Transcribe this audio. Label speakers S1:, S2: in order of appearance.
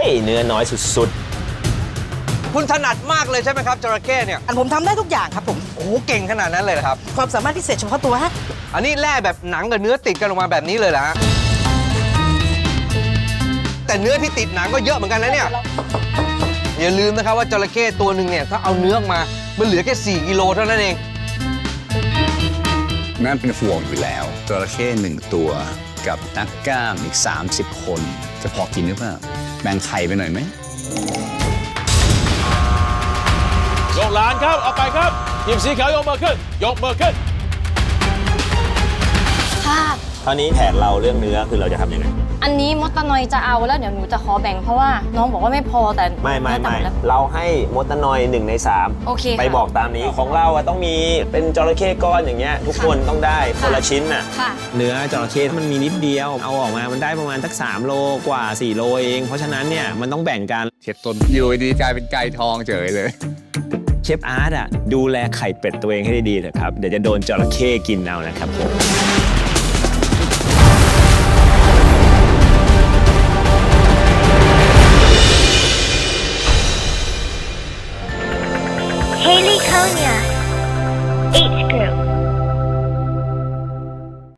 S1: เนื้อน้อยสุด
S2: คุณถนัดมากเลยใช่ไหมครับจระเข้เนี่ย
S3: ผมทำได้ทุกอย่างครับผม
S2: โอ้โหเก่งขนาดนั้นเลยเหรอครับ
S3: ความสามารถพิเศษเฉพาะตัวฮะ
S2: อันนี้แล่แบบหนังกับเนื้อติดกันออกมาแบบนี้เลยเหรอฮะแต่เนื้อที่ติดหนังก็เยอะเหมือนกันนะเนี่ยอย่าลืมนะครับว่าจระเข้ตัวหนึ่งเนี่ยถ้าเอาเนื้อออกมามันเหลือแค่4 กิโลเท่านั้นเอง
S4: นั่นเป็นห่วงอยู่แล้วจระเข้1 ตัวกับนักกล้ามอีก30 คนจะพอกินหรือเปล่าแบ่งไข่ไปหน่อยไหม
S5: ยกหลานครับเอาไปครับทีมสีขาวยกมือขึ้นยกมือขึ้น
S6: ค่ะ
S1: ๆคราวนี้แผนเราเรื่องเนื้อคือเราจะทำยังไง
S6: อันนี้มดตะนอยจะเอาแล้วเดี๋ยวหนูจะขอแบ่งเพราะว่าน้องบอกว่าไม่พอแต่
S1: ไม่
S6: เนื้อต่ำแล้ว
S1: เราให้มดตะนอย1 ใน 3
S6: โอเคค่ะ
S1: ไปบอกตามนี้ของเราอะต้องมีเป็นจระเข้ก้อนอย่างเงี้ยทุกคนต้องได้คนละชิ้นน่ะ
S6: ค่ะ
S1: เนื้อจระเข้มันมีนิดเดียวเอาออกมามันได้ประมาณสัก3 โลกว่า4 โลเองเพราะฉะนั้นเนี่ยมันต้องแบ่งกัน
S4: เช็ดต้นอยู่ดีกลายเป็นไก่ทองเฉยเลย
S1: เชฟอาร์ตอะดูแลไข่เป็ดตัวเองให้ดีๆเถอะครับเดี๋ยวจะโดนจระเข้กินเอานะครับผม
S7: Haley Konya.